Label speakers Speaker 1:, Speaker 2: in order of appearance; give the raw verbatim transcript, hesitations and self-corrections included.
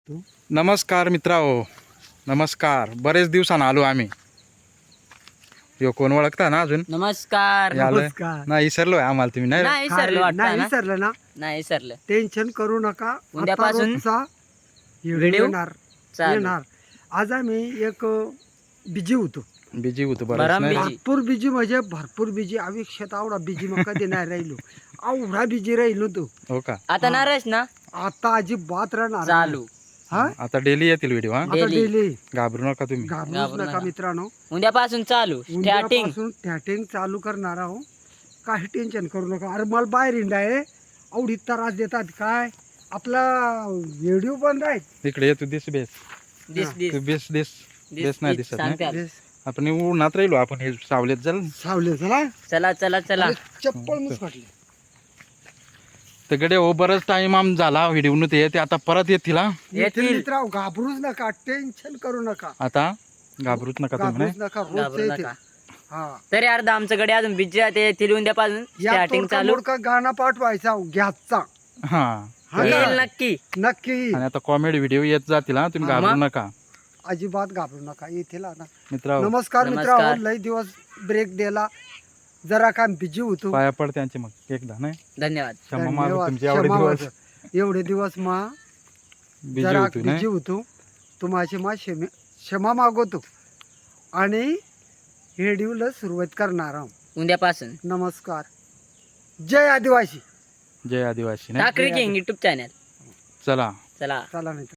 Speaker 1: नमस्कार मित्रांनो, नमस्कार. बरेच दिवसांना आलो आम्ही. यो कोण ओळखता ना अजून?
Speaker 2: नमस्कार.
Speaker 1: यालं?
Speaker 3: नमस्कार.
Speaker 1: नाही विसरलोय आम्हाला तुम्ही नाही?
Speaker 2: नाही
Speaker 3: काय
Speaker 2: सरलं
Speaker 3: नाही
Speaker 2: वाटतं ना
Speaker 3: विसरलं ना
Speaker 2: नाही विसरलं.
Speaker 3: टेन्शन करू नका. आता
Speaker 2: उद्यापासून
Speaker 3: रोजचा
Speaker 2: व्हिडिओ
Speaker 3: व्हिडिओ येणार
Speaker 2: चालू.
Speaker 3: येणार आज आम्ही एक बिजी होतो.
Speaker 1: बिजी होतो बरं
Speaker 2: बरं,
Speaker 1: नाही?
Speaker 2: busy.
Speaker 3: भरपूर बिजी म्हणजे भरपूर बिजी. आयुष्यात आवडा बिजी मग कधी नाही राहिलो. आवडा बिजी राहिलो तो.
Speaker 1: हो का?
Speaker 2: आता नाराज ना
Speaker 3: आता अजिबात राहणार
Speaker 2: चालू.
Speaker 3: हा
Speaker 1: आता डेली येतील व्हिडिओ हा.
Speaker 3: आता
Speaker 2: Daily.
Speaker 3: डेली
Speaker 1: घाबरू नका तुम्ही.
Speaker 3: घाबरूच
Speaker 2: घाबरू
Speaker 3: नका
Speaker 2: नका.
Speaker 3: मित्रांनो.
Speaker 2: उद्यापासून चालू स्टार्टिंग.
Speaker 3: उद्यापासून टॅटिंग चालू करणार आहो. काही टेन्शन करू नका. अरे मला बाहेर इंडा आहे आवडी त्रास देतात काय आपला व्हिडिओ बंद आहे.
Speaker 1: इकडे ये तू दिस बेस.
Speaker 2: दिस दिस
Speaker 1: तू बेस दिस.
Speaker 2: दिस
Speaker 1: बेस नाही
Speaker 2: दिस
Speaker 1: दिसत नाही.
Speaker 2: सांगतात.
Speaker 3: बेस.
Speaker 1: आपण उन्हात राहिलो आपण हे सावलेत जल.
Speaker 3: सावले चला
Speaker 2: चला चला चला
Speaker 3: अरे चप्पल मुसकटली.
Speaker 1: तर गडे हो बरंच टाइम आम झाला व्हिडिओ न ते आता परत येतील हा.
Speaker 3: येथील
Speaker 2: येतील.
Speaker 3: मित्रांनो घाबरूच नका टेन्शन करू नका.
Speaker 1: आता घाबरूच नका तुम्ही
Speaker 3: घाबरूच
Speaker 1: नाही?
Speaker 3: नका रोज
Speaker 2: घाबरू
Speaker 3: येते.
Speaker 2: नका.
Speaker 3: हा
Speaker 2: तरी अर्धा आमच्याकडे अजून बिजी ते येतील उद्यापासून
Speaker 3: या
Speaker 2: स्टार्टिंग
Speaker 3: तोडका
Speaker 2: चालू
Speaker 3: मोडका गाणं पाठवायचा घ्याचा
Speaker 1: हा.
Speaker 3: हा
Speaker 2: येईल
Speaker 3: ना?
Speaker 2: नक्की.
Speaker 3: नक्की
Speaker 1: आणि आता कॉमेडी व्हिडिओ येत जातील हा. तुम्ही
Speaker 2: हा,
Speaker 1: घाबरू
Speaker 2: मग?
Speaker 1: नका
Speaker 3: अजिबात घाबरू नका येथील ना.
Speaker 1: मित्रांनो.
Speaker 3: नमस्कार
Speaker 2: नमस्कार.
Speaker 3: मित्रांनो लय दिवस ब्रेक दिला जरा काम बिजी होतो.
Speaker 1: पाया पड त्यांचे मग एकदा नाही
Speaker 2: धन्यवाद.
Speaker 1: क्षमा मागू
Speaker 3: धन्यवाद.
Speaker 1: तुमचे एवढे
Speaker 3: क्षमा
Speaker 1: दिवस
Speaker 3: मागतो. एवढे दिवस मा
Speaker 1: बिजी
Speaker 3: जरा
Speaker 1: होतो
Speaker 3: बिजी
Speaker 1: नाही?
Speaker 3: होतो तुम्हाशी मा क्षमे क्षमा मागवतो आणि व्हिडिओला सुरुवात करणार आहोत.
Speaker 2: उद्यापासून
Speaker 3: नमस्कार जय आदिवासी.
Speaker 1: जय आदिवासी नाही?
Speaker 2: Thackeray king YouTube channel.
Speaker 1: चला
Speaker 2: चला
Speaker 3: चला मित्र.